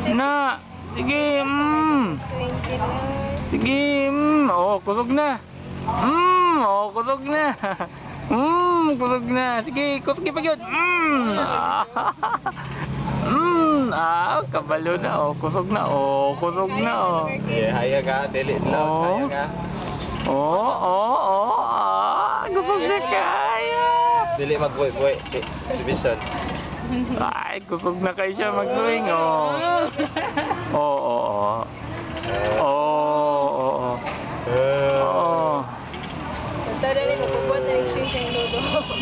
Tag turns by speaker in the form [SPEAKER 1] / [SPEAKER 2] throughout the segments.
[SPEAKER 1] Na. Sige. Sige. Oh, kusog na. Oh, kusog na. Kusog na. Sige, kusog pa gyud. Kabalo na. Oh, kusog na. Oh, kusog na. Oh.
[SPEAKER 2] Haya ka, dili slow, haya ka.
[SPEAKER 1] Kusog na kaya.
[SPEAKER 2] Dili magbuhay-buhay, exhibition.
[SPEAKER 1] Ay, kusog na kayo siya mag-swing, oh. Oo.
[SPEAKER 3] Tanda rin, magbubuhat na yung swing sa lolo.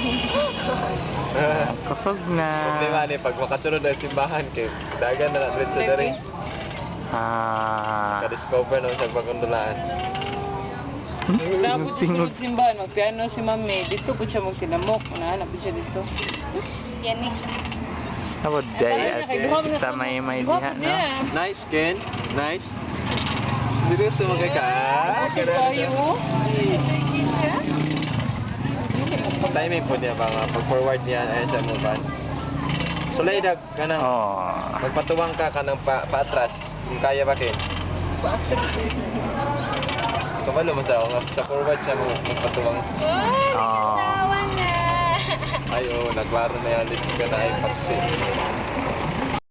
[SPEAKER 1] Kusog na.
[SPEAKER 2] Problema ni, pag makasunod ang simbahan, kay dagan na lang rin sa dari. Ka-discover na sa pagkundulaan.
[SPEAKER 4] Nabot siya sa simbahan, magpiano si Mami. Dito po siya magsinamok. Nahanap po siya dito.
[SPEAKER 3] Yan eh.
[SPEAKER 1] Abot day, ate. Kita may diha, no?
[SPEAKER 2] Nice, Ken. Nice. Seryoso mo kay ka?
[SPEAKER 4] Tayo.
[SPEAKER 2] Timing po niya ba nga? Pag-forward niya ay sa mo ba? Sulay dag ka nang magpatuwang ka nang paatras. Kung kaya ba, Ken? Kabalo mo sa forward siya mo magpatuwang.
[SPEAKER 3] Tawa na!
[SPEAKER 2] Ay, naglaro na yan. Lips ka na ay paksi.